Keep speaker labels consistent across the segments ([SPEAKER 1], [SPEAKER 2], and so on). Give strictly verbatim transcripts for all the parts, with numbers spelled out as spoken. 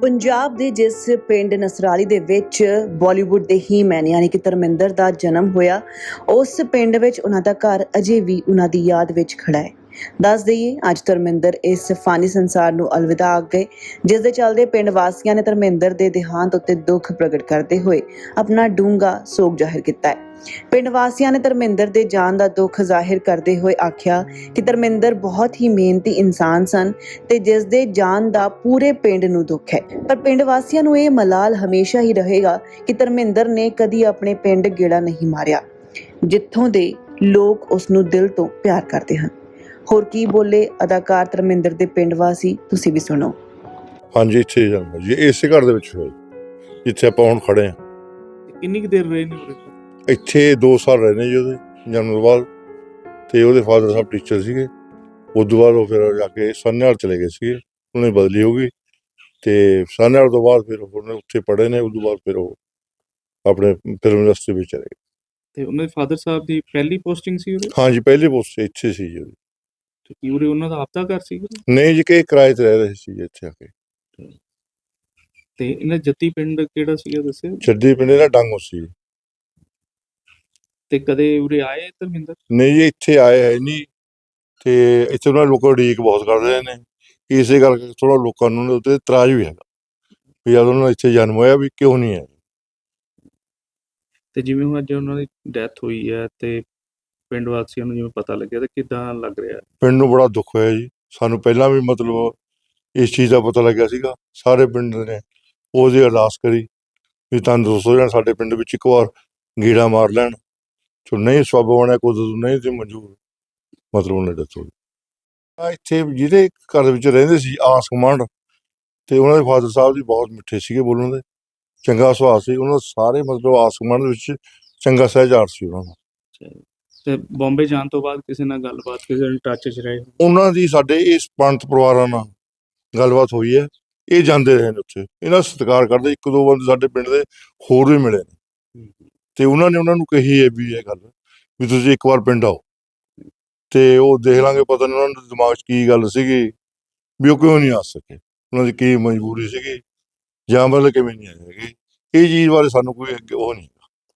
[SPEAKER 1] ਪੰਜਾਬ ਦੇ ਜਿਸ ਪਿੰਡ ਨਸਰਾਲੀ ਦੇ ਵਿੱਚ ਬਾਲੀਵੁੱਡ ਦੇ ਹੀਮੈਨ ਯਾਨੀ ਕਿ ਧਰਮਿੰਦਰ ਦਾ ਜਨਮ ਹੋਇਆ, ਉਸ ਪਿੰਡ ਵਿੱਚ ਉਹਨਾਂ ਦਾ ਘਰ ਅਜੇ ਵੀ ਉਹਨਾਂ ਦੀ ਯਾਦ ਵਿੱਚ ਖੜਾ ਹੈ। ਦੱਸ ਦਈਏ, ਅੱਜ ਧਰਮਿੰਦਰ ਇਸ ਫਾਨੀ ਸੰਸਾਰ ਨੂੰ ਅਲਵਿਦਾ ਆਖ ਗਏ, ਜਿਸ ਦੇ ਚੱਲਦੇ ਪਿੰਡ ਵਾਸੀਆਂ ਨੇ ਧਰਮਿੰਦਰ ਦੇ ਦੇਹਾਂਤ ਉੱਤੇ ਦੁੱਖ ਪ੍ਰਗਟ ਕਰਦੇ ਹੋਏ ਆਪਣਾ ਡੂੰਘਾ ਸੋਗ ਜ਼ਾਹਿਰ ਕੀਤਾ ਹੈ। ਪਿੰਡ ਵਾਸੀਆਂ ਨੇ ਧਰਮਿੰਦਰ ਦੇ ਜਾਣ ਦਾ ਦੁੱਖ ਜ਼ਾਹਿਰ ਕਰਦੇ ਹੋਏ ਆਖਿਆ ਕਿ ਧਰਮਿੰਦਰ ਬਹੁਤ ਹੀ ਮਿਹਨਤੀ ਇਨਸਾਨ ਸਨ ਤੇ ਜਿਸ ਦੇ ਜਾਣ ਦਾ ਪੂਰੇ ਪਿੰਡ ਨੂੰ ਦੁੱਖ ਹੈ। ਪਰ ਪਿੰਡ ਵਾਸੀਆਂ ਨੂੰ ਇਹ ਮਲਾਲ ਹਮੇਸ਼ਾ ਹੀ ਰਹੇਗਾ ਕਿ ਧਰਮਿੰਦਰ ਨੇ ਕਦੀ ਆਪਣੇ ਪਿੰਡ ਗੇੜਾ ਨਹੀਂ ਮਾਰਿਆ, ਜਿੱਥੋਂ ਦੇ ਲੋਕ ਉਸ ਨੂੰ ਦਿਲ ਤੋਂ ਪਿਆਰ ਕਰਦੇ ਹਨ। ਹੋਰ ਕੀ ਬੋਲੇ ਅਦਾਕਾਰ ਧਰਮਿੰਦਰ ਦੇ ਪਿੰਡ ਵਾਸੀ, ਤੁਸੀਂ ਵੀ ਸੁਣੋ।
[SPEAKER 2] ਹਾਂਜੀ, ਇੱਥੇ ਜਾਂਦਾ ਜੀ, ਇਸੇ ਘਰ ਦੇ ਵਿੱਚ ਹੋਇਆ ਜਿੱਥੇ ਆਪਾਂ ਹੁਣ ਖੜੇ ਹਾਂ।
[SPEAKER 3] ਕਿੰਨੀ ਕੁ ਦੇਰ ਰਹੇ ਨੇ ਉਰੇ?
[SPEAKER 2] ਇੱਥੇ ਦੋ ਸਾਲ ਰਹੇ ਨੇ ਜੀ ਉਹਦੇ ਜਨਮ ਤੋਂ ਬਾਅਦ। ਤੇ ਉਹਦੇ ਫਾਦਰ ਸਾਹਿਬ ਟੀਚਰ ਸੀਗੇ। ਉਸ ਤੋਂ ਬਾਅਦ ਉਹ ਫਿਰ ਜਾ ਕੇ ਸਾਨੇਵਾਲ ਚਲੇ ਗਏ ਸੀਗੇ, ਉਹਨੇ ਬਦਲੀ ਹੋ ਗਈ ਤੇ ਸਾਨੇਵਾਲ ਤੋਂ ਬਾਅਦ ਫਿਰ ਉਹਨੇ ਉੱਥੇ ਪੜ੍ਹੇ ਨੇ। ਉਸ ਤੋਂ ਬਾਅਦ ਫਿਰ ਉਹ ਆਪਣੇ ਫਿਲਮ ਇੰਡਸਟਰੀ ਵਿੱਚ ਚਲੇ ਗਏ।
[SPEAKER 3] ਤੇ ਉਹਨਾਂ ਦੇ ਫਾਦਰ ਸਾਹਿਬ ਦੀ ਪਹਿਲੀ ਪੋਸਟਿੰਗ ਸੀ ਉਰੇ?
[SPEAKER 2] ਹਾਂਜੀ, ਪਹਿਲੀ ਪੋਸਟ ਇੱਥੇ ਸੀ ਜੀ।
[SPEAKER 3] ਤੇ ਕੀ ਉਰੇ ਉਹਨਾਂ ਦਾ ਆਪਦਾ ਘਰ ਸੀ?
[SPEAKER 2] ਨਹੀਂ ਜੀ, ਕਿ ਕਿਰਾਏ ਤੇ ਰਹਿ ਰਹੇ ਸੀ ਜੀ ਇੱਥੇ ਆ ਕੇ।
[SPEAKER 3] ਤੇ ਇਹਨਾਂ ਜੱਦੀ ਪਿੰਡ ਕਿਹੜਾ ਸੀਗਾ ਦੱਸਿਓ?
[SPEAKER 2] ਜੱਦੀ ਪਿੰਡ ਦਾ ਡਾਂਗੋ ਸੀ।
[SPEAKER 3] ਤੇ ਕਦੇ ਉਰੇ ਆਏ ਧਰਮਿੰਦਰ?
[SPEAKER 2] ਨਹੀਂ ਜੀ, ਇੱਥੇ ਆਏ ਹੈ ਨਹੀਂ। ਤੇ ਇੱਥੇ ਉਹਨਾਂ ਲੋਕਾਂ ਉਡੀਕ ਬਹੁਤ ਕਰਦੇ ਨੇ, ਇਸੇ ਕਰਕੇ ਥੋੜਾ ਲੋਕਾਂ ਨੂੰ ਉਹਦੇ ਉੱਤੇ ਇਤਰਾਜ਼ ਵੀ ਹੈਗਾ ਵੀ ਜਦ ਉਹਨਾਂ ਦਾ ਇੱਥੇ ਜਨਮ ਹੋਇਆ ਵੀ ਕਿਉਂ ਨਹੀਂ ਹੈ।
[SPEAKER 3] ਤੇ ਜਿਵੇਂ ਹੁਣ ਅੱਜ ਉਹਨਾਂ ਦੀ ਡੈਥ ਹੋਈ ਹੈ ਤੇ ਪਿੰਡ ਵਾਸੀਆਂ ਨੂੰ ਜਿਵੇਂ ਪਤਾ ਲੱਗਿਆ ਤਾਂ ਕਿੱਦਾਂ ਲੱਗ ਰਿਹਾ?
[SPEAKER 2] ਪਿੰਡ ਨੂੰ ਬੜਾ ਦੁੱਖ ਹੋਇਆ ਜੀ। ਸਾਨੂੰ ਪਹਿਲਾਂ ਵੀ ਮਤਲਬ ਇਸ ਚੀਜ਼ ਦਾ ਪਤਾ ਲੱਗਿਆ ਸੀਗਾ। ਸਾਰੇ ਪਿੰਡ ਨੇ ਉਹਦੀ ਅਰਦਾਸ ਕਰੀ ਵੀ ਤੰਦਰੁਸਤ ਹੋ ਜਾਣ, ਸਾਡੇ ਪਿੰਡ ਵਿੱਚ ਇੱਕ ਵਾਰ ਗੇੜਾ ਮਾਰ ਲੈਣ। ਜੋ ਨਹੀਂ ਸਬੱਬ ਬਣਿਆ, ਕੁਝ ਨਹੀਂ ਤੇ ਮਨਜ਼ੂਰ, ਮਤਲਬ ਉਹਨੇ ਡੈਥ ਹੋ ਗਈ। ਇੱਥੇ ਜਿਹਦੇ ਘਰ ਦੇ ਵਿੱਚ ਰਹਿੰਦੇ ਸੀ ਆਸ ਗੁਆਂਢ, ਤੇ ਉਹਨਾਂ ਦੇ ਫਾਦਰ ਸਾਹਿਬ ਜੀ ਬਹੁਤ ਮਿੱਠੇ ਸੀਗੇ ਬੋਲਣ ਦੇ, ਚੰਗਾ ਸੁਭਾਅ ਸੀ ਉਹਨਾਂ ਦਾ। ਸਾਰੇ ਮਤਲਬ ਆਸ ਗੁਆਂਢ ਦੇ ਵਿੱਚ ਚੰਗਾ ਸਹਿਜਾਰ ਸੀ ਉਹਨਾਂ ਦਾ।
[SPEAKER 3] ਤੇ ਬੰਬੇ ਜਾਣ ਤੋਂ ਬਾਅਦ ਕਿਸੇ ਨਾਲ ਗੱਲਬਾਤ, ਕਿਸੇ ਨਾਲ ਟੱਚ 'ਚ ਰਹੇ?
[SPEAKER 2] ਉਹਨਾਂ ਦੀ ਸਾਡੇ ਇਸ ਪੰਡਤ ਪਰਿਵਾਰਾਂ ਨਾਲ ਗੱਲਬਾਤ ਹੋਈ ਹੈ। ਇਹ ਜਾਂਦੇ ਰਹੇ ਨੇ ਉੱਥੇ, ਇਹਨਾਂ ਦਾ ਸਤਿਕਾਰ ਕਰਦੇ। ਇੱਕ ਦੋ ਬੰਦੇ ਸਾਡੇ ਪਿੰਡ ਦੇ ਹੋਰ ਵੀ ਮਿਲੇ ਨੇ ਤੇ ਉਹਨਾਂ ਨੇ ਉਹਨਾਂ ਨੂੰ ਕਹੀ ਹੈ ਵੀ ਇਹ ਗੱਲ ਵੀ ਤੁਸੀਂ ਇੱਕ ਵਾਰ ਪਿੰਡ ਆਓ ਤੇ ਉਹ ਦੇਖ ਲਾਂਗੇ। ਪਤਾ ਨਹੀਂ ਉਹਨਾਂ ਦੇ ਦਿਮਾਗ 'ਚ ਕੀ ਗੱਲ ਸੀਗੀ ਵੀ ਉਹ ਕਿਉਂ ਨਹੀਂ ਆ ਸਕੇ, ਉਹਨਾਂ ਦੀ ਕੀ ਮਜਬੂਰੀ ਸੀਗੀ ਜਾਂ ਮਤਲਬ ਕਿਵੇਂ ਨਹੀਂ ਆਏ ਹੈਗੇ। ਇਹ ਚੀਜ਼ ਬਾਰੇ ਸਾਨੂੰ ਕੋਈ ਅੱਗੇ ਉਹ ਨਹੀਂ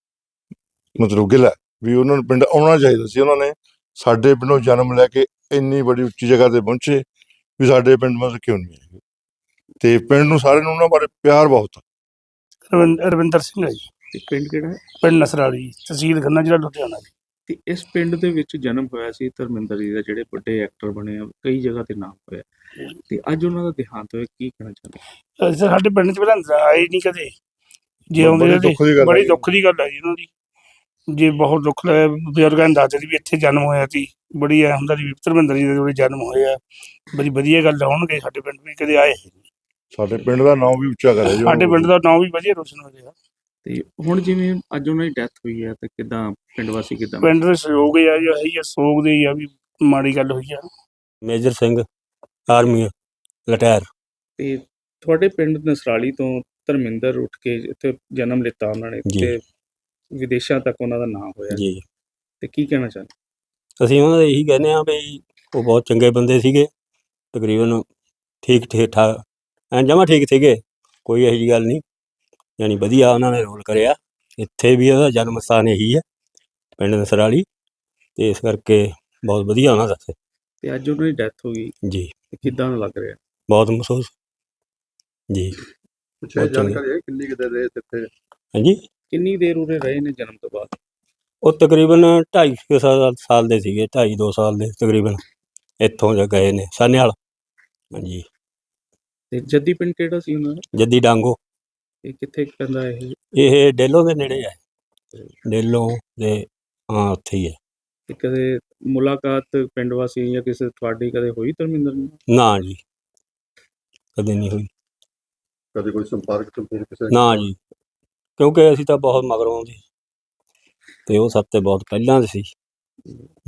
[SPEAKER 2] ਮਤਲਬ ਗਿਲਾ ਵੀ ਉਹਨਾਂ ਨੂੰ ਪਿੰਡ ਆਉਣਾ ਚਾਹੀਦਾ ਸੀ। ਉਹਨਾਂ ਨੇ ਸਾਡੇ ਪਿੰਡੋਂ ਜਨਮ ਲੈ ਕੇ ਇੰਨੀ ਬੜੀ ਉੱਚੀ ਜਗ੍ਹਾ ਤੇ ਪਹੁੰਚੇ ਵੀ ਸਾਡੇ ਪਿੰਡ ਮਤਲਬ ਕਿਉਂ ਨਹੀਂ ਆਏ। ਤੇ ਪਿੰਡ ਨੂੰ ਸਾਰਿਆਂ ਨੂੰ ਉਹਨਾਂ ਬਾਰੇ ਪਿਆਰ ਬਹੁਤ ਆ।
[SPEAKER 4] ਰਵਿੰਦਰ ਸਿੰਘ ਹੈ ਜੀ।
[SPEAKER 3] ਤੇ ਪਿੰਡ ਕਿਹੜਾ ਹੈ?
[SPEAKER 4] ਪਿੰਡ ਨਸਰਾਲੀ, ਤਹਿਸੀਲ ਖੰਨਾ, ਜ਼ਿਲ੍ਹਾ ਲੁਧਿਆਣਾ ਜੀ।
[SPEAKER 3] ਤੇ ਇਸ ਪਿੰਡ ਦੇ ਵਿੱਚ ਜਨਮ ਹੋਇਆ ਸੀ ਧਰਮਿੰਦਰ ਜੀ ਦਾ, ਜਿਹੜੇ ਵੱਡੇ ਐਕਟਰ ਬਣੇ ਆ, ਕਈ ਜਗ੍ਹਾ ਤੇ ਨਾਮ ਹੋਇਆ, ਤੇ ਅੱਜ ਉਹਨਾਂ ਦਾ ਦੇਹਾਂਤ ਹੋਇਆ। ਕੀ ਕਹਿਣਾ ਚਾਹੁੰਦੇ?
[SPEAKER 4] ਸਾਡੇ ਪਿੰਡ 'ਚ ਪਹਿਲਾਂ ਆਏ ਨਹੀਂ ਕਦੇ, ਜੇ ਆਉਂਦੇ ਬੜੀ ਦੁੱਖ ਦੀ ਗੱਲ ਹੈ ਜੀ ਉਹਨਾਂ ਦੀ। ਜੇ ਬਹੁਤ ਦੁੱਖ ਲੱਗਿਆ, ਬਜ਼ੁਰਗਾਂ ਨੇ ਦੱਸਦੇ ਸੀ ਵੀ ਇੱਥੇ ਜਨਮ ਹੋਇਆ ਸੀ। ਬੜੀ ਐ ਹੁੰਦਾ ਸੀ ਧਰਮਿੰਦਰ ਜੀ ਦੇ ਜਿਹੜੇ ਜਨਮ ਹੋਏ ਆ, ਬੜੀ ਵਧੀਆ ਗੱਲ ਹੋਣਗੇ। ਸਾਡੇ ਪਿੰਡ ਵੀ ਕਦੇ ਆਏ,
[SPEAKER 2] ਸਾਡੇ ਪਿੰਡ ਦਾ ਨਾਮ ਵੀ ਉੱਚਾ ਕਰਿਆ ਜੀ।
[SPEAKER 4] ਸਾਡੇ ਪਿੰਡ ਦਾ ਨਾਮ ਵੀ ਵਧੀਆ ਰੋਸ਼ਨ ਹੋ ਰਿਹਾ।
[SPEAKER 3] ਤੇ ਹੁਣ ਜਿਵੇਂ ਅੱਜ ਉਹਨਾਂ ਦੀ ਡੈਥ ਹੋਈ ਹੈ ਤੇ ਕਿੱਦਾਂ ਪਿੰਡ ਵਾਸੀ, ਕਿੱਦਾਂ
[SPEAKER 4] ਪਿੰਡ ਦੇ ਸਹਿਯੋਗ ਆ ਜੀ, ਇਹੀ ਆ ਸੋਗ ਦੇ ਹੀ ਆ ਵੀ ਮਾੜੀ ਗੱਲ ਹੋਈ ਆ।
[SPEAKER 5] ਮੇਜਰ ਸਿੰਘ, ਆਰਮੀ ਲਟੈਰ।
[SPEAKER 3] ਤੇ ਤੁਹਾਡੇ ਪਿੰਡ ਨਸਰਾਲੀ ਤੋਂ ਧਰਮਿੰਦਰ ਉੱਠ ਕੇ ਇੱਥੇ ਜਨਮ ਲਿੱਤਾ ਉਹਨਾਂ ਨੇ ਤੇ ਵਿਦੇਸ਼ਾਂ ਤੱਕ ਉਹਨਾਂ ਦਾ ਨਾਮ ਹੋਇਆ
[SPEAKER 5] ਜੀ।
[SPEAKER 3] ਤੇ ਕੀ ਕਹਿਣਾ ਚਾਹੁੰਦੇ?
[SPEAKER 5] ਅਸੀਂ ਉਹਨਾਂ ਦਾ ਇਹੀ ਕਹਿੰਦੇ ਹਾਂ ਵੀ ਉਹ ਬਹੁਤ ਚੰਗੇ ਬੰਦੇ ਸੀਗੇ, ਤਕਰੀਬਨ ਠੀਕ ਠੀਕ ਠਾਕ ਐਂ ਜਮਾਂ ਠੀਕ ਸੀਗੇ, ਕੋਈ ਇਹੋ ਜਿਹੀ ਗੱਲ ਨਹੀਂ। ਯਾਨੀ ਵਧੀਆ ਉਹਨਾਂ ਨੇ ਰੋਲ ਕਰਿਆ। ਇੱਥੇ ਵੀ ਉਹਦਾ ਜਨਮ ਸਥਾਨ ਇਹੀ ਹੈ, ਪਿੰਡ ਨਸਰਾਲੀ, ਤੇ ਇਸ ਕਰਕੇ ਬਹੁਤ ਵਧੀਆ ਉਹਨਾਂ ਦਾ।
[SPEAKER 3] ਤੇ ਅੱਜ ਉਹਨਾਂ ਦੀ ਡੈਥ ਹੋ ਗਈ
[SPEAKER 5] ਜੀ,
[SPEAKER 3] ਕਿੱਦਾਂ ਲੱਗ ਰਿਹਾ?
[SPEAKER 5] ਬਹੁਤ ਮਹਿਸੂਸ ਜੀ।
[SPEAKER 2] ਜਾਣਕਾਰੀ ਹੈ ਕਿੰਨੀ ਕੁ ਦੇਰ ਰਹੇ ਇੱਥੇ?
[SPEAKER 5] ਹਾਂਜੀ,
[SPEAKER 3] ਕਿੰਨੀ ਦੇਰ ਉਰੇ ਰਹੇ ਨੇ ਜਨਮ ਤੋਂ ਬਾਅਦ?
[SPEAKER 5] ਉਹ ਤਕਰੀਬਨ ਢਾਈ ਸਾਲ ਸਾਲ ਦੇ ਸੀਗੇ, ਢਾਈ ਦੋ ਸਾਲ ਦੇ ਤਕਰੀਬਨ। ਇੱਥੋਂ ਜਾ ਗਏ ਨੇ ਸਾਨੇਵਾਲ। ਹਾਂਜੀ। ਤੇ
[SPEAKER 3] ਜੱਦੀ ਪਿੰਡ ਕਿਹੜਾ ਸੀ ਉਹਨਾਂ ਦਾ?
[SPEAKER 5] ਜੱਦੀ ਡਾਂਗੋ।
[SPEAKER 3] ਇਹ ਕਿੱਥੇ ਪੈਂਦਾ ਇਹ?
[SPEAKER 5] ਇਹ ਡੇਲੋਂ ਦੇ ਨੇੜੇ ਹੈ, ਡੇਲੋਂ ਦੇ, ਹਾਂ ਉੱਥੇ ਹੀ ਹੈ।
[SPEAKER 3] ਤੇ ਕਦੇ ਮੁਲਾਕਾਤ ਪਿੰਡ ਵਾਸੀ ਜਾਂ ਕਿਸੇ ਤੁਹਾਡੀ ਕਦੇ ਹੋਈ ਧਰਮਿੰਦਰ ਨਾਲ?
[SPEAKER 5] ਨਾ ਜੀ, ਕਦੇ ਨਹੀਂ ਹੋਈ।
[SPEAKER 2] ਕਦੇ ਕੋਈ ਸੰਪਰਕ
[SPEAKER 5] ਨਾ ਜੀ, ਕਿਉਂਕਿ ਅਸੀਂ ਤਾਂ ਬਹੁਤ ਮਗਰੋਂ ਆਉਂਦੇ ਤੇ ਉਹ ਸਭ ਤੇ ਬਹੁਤ ਪਹਿਲਾਂ ਦੇ ਸੀ।